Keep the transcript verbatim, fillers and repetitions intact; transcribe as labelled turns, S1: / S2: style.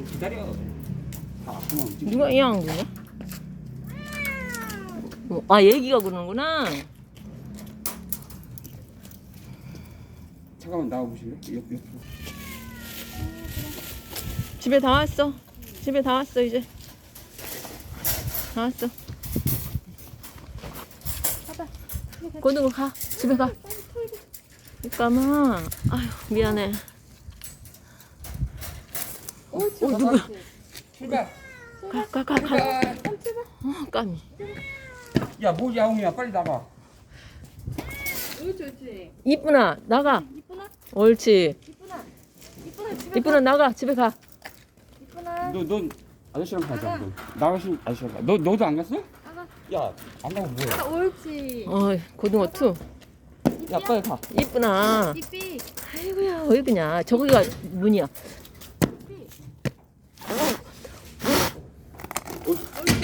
S1: 기다려. 다 그만 움직여.
S2: 누가 이양 거냐? 어, 아 얘기가 그러는구나.
S1: 잠깐만 나와 보실래? 옆 옆으로.
S2: 집에 다 왔어. 집에 다 왔어 이제. 다 왔어. 고등어 가. 집에 가. 잠깐만. 아휴 미안해.
S3: 오,
S2: 어 누구야?
S1: 출발.
S2: 가 가 가 가.
S1: 출발.
S2: 어 까미.
S1: 야 뭐지 야옹이야 빨리 나가.
S3: 옳지, 옳지.
S2: 이쁘나 나가.
S3: 이쁘나?
S2: 옳지.
S3: 이쁘나? 이쁘나, 집에
S2: 이쁘나 나가. 집에 가.
S3: 이쁘나?
S1: 너 넌 아저씨랑 가자. 너. 나가신 아저씨랑 가. 너 너도 안 갔어?
S3: 나가.
S1: 야 안 가고 뭐해?
S3: 아, 옳지.
S2: 어 고등어 투.
S1: 야 빨리 가.
S2: 이쁘나.
S3: 삐삐.
S2: 아이고야 어이구냐. 저기가 문이야.
S3: 삐삐.
S1: 어,